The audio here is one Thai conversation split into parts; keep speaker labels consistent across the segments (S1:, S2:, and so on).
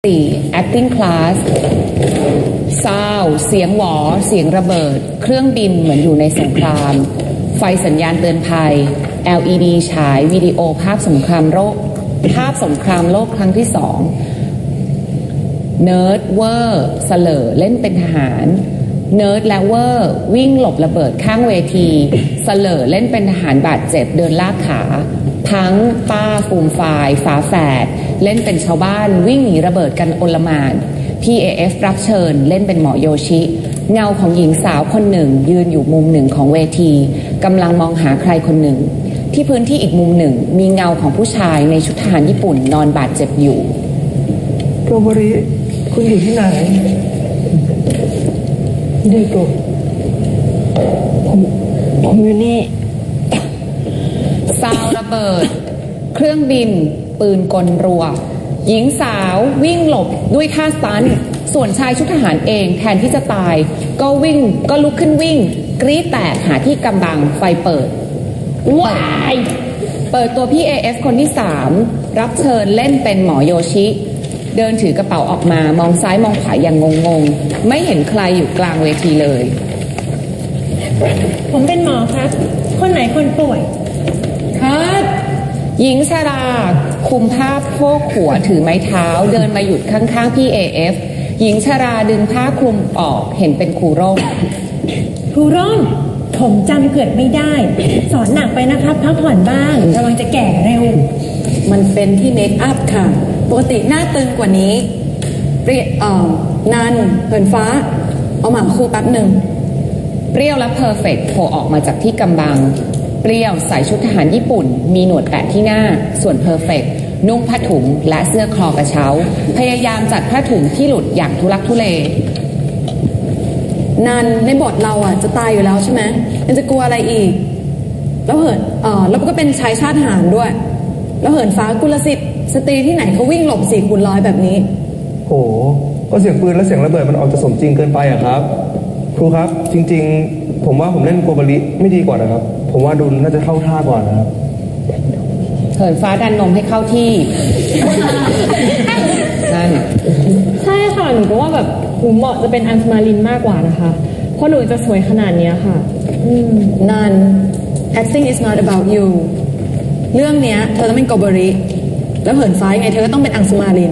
S1: 4. acting class sound เสียงหวอเสียงระเบิดเครื่องบินเหมือนอยู่ในสงครามไฟสัญญาณเตือนภัย LED ฉายวิดีโอภาพสงครามโลกครั้งที่2เนิร์ดเวอร์เสลอเล่นเป็นทหารเนิร์ดและเวอร์วิ่งหลบระเบิดข้างเวทีเสลอเล่นเป็นทหารบาดเจ็บเดินลากขาทั้งป้าฟูมฟายฝาแฝดเล่นเป็นชาวบ้านวิ่งหนีระเบิดกันโอลหม่าน PAF รับเชิญเล่นเป็นหมอโยชิเงาของหญิงสาวคนหนึ่งยืนอยู่มุมหนึ่งของเวทีกำลังมองหาใครคนหนึ่งที่พื้นที่อีกมุมหนึ่งมีเงาของผู้ชายในชุดทหารญี่ปุ่นนอนบาดเจ็บอยู่
S2: โกโบริคุณอยู่ที่ไหนเด็กผมอยู่นี่
S1: ซาวระเบิดเครื่องบินปืนกลรัวหญิงสาววิ่งหลบด้วยท่าสตันส่วนชายชุดทหารเองแทนที่จะตายก็ลุกขึ้นวิ่งกรี๊ดแตกหาที่กำบังไฟเปิดว้ายเปิดตัวพี่ AF คนที่3รับเชิญเล่นเป็นหมอโยชิเดินถือกระเป๋าออกมามองซ้ายมองขวาอย่างงงๆไม่เห็นใครอยู่กลางเวทีเลย
S3: ผมเป็นหมอครับคนไหนคนป่วย
S1: ครับหญิงชราคุมผ้าโพกหัวถือไม้เท้าเดินมาหยุดข้างๆพี่ AF หญิงชราดึงผ้าคลุมออกเห็นเป็นครูร่ม
S3: ผมจำเกิดไม่ได้สอนหนักไปนะครับพักผ่อนบ้างระวังจะแก่เร็ว
S4: มันเป็นที่เมคอัพค่ะปกติหน้าตึงกว่านี้นันเหินฟ้าเอาหมาคู่แป๊บหนึ่ง
S1: เปรี้ยวและเพอร์เฟกต์โผล่ออกมาจากที่กำบังเปรี้ยวใส่ชุดทหารญี่ปุ่นมีหนวดแปะที่หน้าส่วนเพอร์เฟกต์นุ่งผ้าถุงและเสื้อคลอกระเช้าพยายามจัดผ้าถุงที่หลุดอย่างทุลักทุเล
S4: นันในบทเราจะตายอยู่แล้วใช่ไหมยังจะกลัวอะไรอีกแล้วแล้วก็เป็นชายชาติทหารด้วยแล้วเหินฟ้ากุลสิทธิ์สตรีที่ไหนเขาวิ่งหลบ4x100แบบนี้
S2: โหก็เสียงปืนและเสียงระเบิดมันออกจะสมจริงเกินไปครับครูครับจริงๆผมว่าผมเล่นโกโบริไม่ดีกว่านะครับผมว่าดุลน่าจะเข้าท่ากว่านะครับ
S1: เหินฟ้าดันนมให้เข้าที่นั่น
S5: ใช่ค่ะหนูก็ว่าแบบหนูเหมาะจะเป็นอัญชมาลินมากกว่านะคะเพราะหนูจะสวยขนาดนี้ค่ะ
S4: นัน acting is not about you เรื่องเนี้ยเธอต้องเป็นโกโบริแล้วเหินฟ้ายังไงเธอก็ต้องเป็นอัญชมาลิน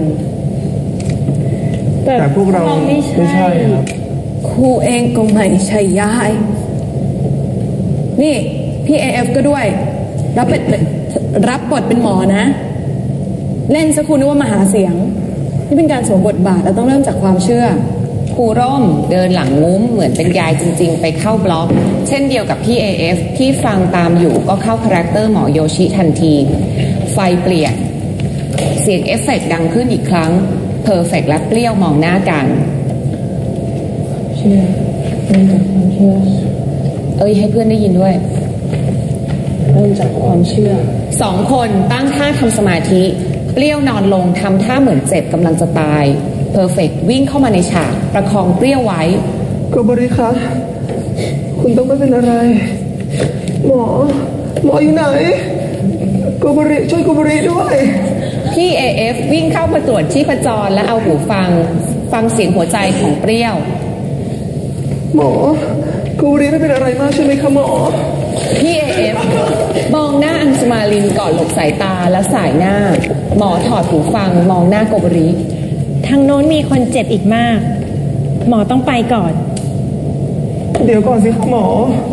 S2: แต่พวกเราไม่ใช่ครับ
S4: ครูเองก็ไม่ใช่ยายนี่พี่ AF ก็ด้วยรับบทเป็นหมอนะเล่นสักครู่นึกว่ามหาเสียงนี่เป็นการสวมบทบาทแล้วต้องเริ่มจากความเชื่อ
S1: ครูร่มเดินหลังงุ้มเหมือนเป็นยายจริงๆไปเข้าบล็อกเช่นเดียวกับพี่ AF ที่ฟังตามอยู่ก็เข้าคาแรคเตอร์หมอโยชิทันทีไฟเปลี่ยนเสียงเอฟเฟกต์ดังขึ้นอีกครั้งเพอร์เฟกต์และเปรี้ยวมองหน้ากัน
S5: เชื่อเริ่มจากความเชื่อ
S1: ให้เพื่อนได้ยินด้วย
S5: เริ่มจากความเชื่อ
S1: 2 คนตั้งท่าทำสมาธิเปรี้ยวนอนลงทำท่าเหมือนเจ็บกำลังจะตายเพอร์เฟกต์วิ่งเข้ามาในฉากประคองเปรี้ยวไว้
S2: โกโบริคะคุณต้องไม่เป็นอะไรหมออยู่ไหนโกโบริช่วยโกโบริด้วย
S1: พี่ AF วิ่งเข้ามาตรวจชีพจรและเอาหูฟังเสียงหัวใจของเปรี้ยว
S2: หมอโกโบริไม่เป็นอะไรมากใช่ไหมคะหมอ
S1: พี่ AF มองหน้าอัญชมาลินก่อนหลบสายตาแล้วสายหน้าหมอถอดหูฟังมองหน้าโกโบริ
S3: ทางโน้นมีคนเจ็บอีกมากหมอต้องไปก่อน
S2: เดี๋ยวก่อนสิครับหมอ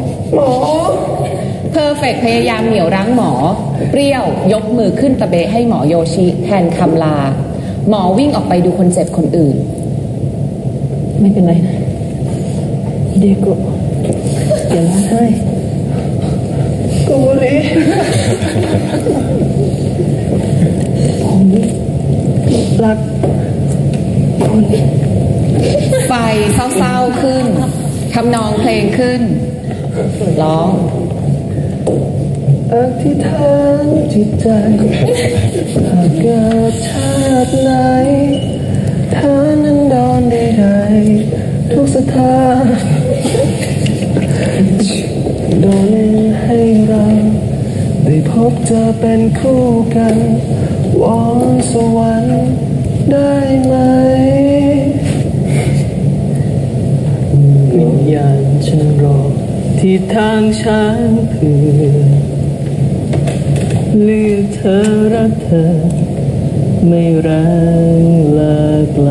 S1: เพอร์เฟกต์พยายามเหนี่ยวรั้งหมอเปรี้ยวยกมือขึ้นตะเบะให้หมอโยชิแทนคำลาหมอวิ่งออกไปดูคนเจ็บคนอื่น
S5: ไม่เป็นไรนะเด็กก็อย่าร้องไห้
S2: โกโบริผมรักคุณ
S1: ไฟเศร้าๆขึ้นทำนองเพลงขึ้นร้อง
S2: อธิษฐานจิตใจหากเกิดชาติไหนฐานันดรใดๆทุกสถานโดนให้เราได้พบเจอเป็นคู่กันวอนสวรรค์ได้ไหมที่ทางฉันเพื่อเลือกเธอรักเธอไม่รังเลิกไกล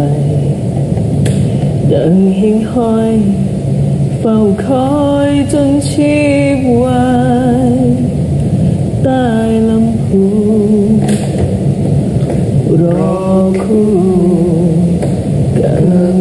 S2: ดังหิ่งห้อยเฝ้าคอยจนชีพวายใต้ลำพูรอคู่กัน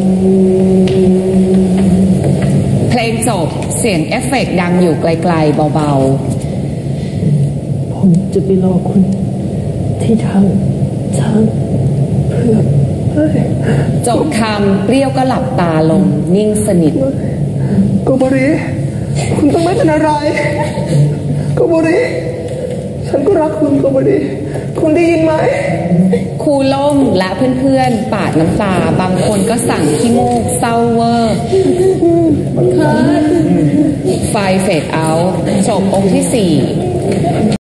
S1: เพลงจบเสียงเอฟเฟกต์ดังอยู่ไกลๆเบา
S2: ผมจะไปรอคุณที่ทางช้างเพื่อ
S1: ๆจบคำเปรี้ยวก็หลับตาลงนิ่งสนิท
S2: โกโบริคุณต้องไม่เป็นอะไรโกโบริฉันก็รักคุณโกโบริคุณได้ยินไหม
S1: ครูล่มและเพื่อนๆปาดน้ำตาบางคนก็สั่งขี้มูกเศร้าเวอร์ไฟเฟดเอาท์จบองค์ที่ 4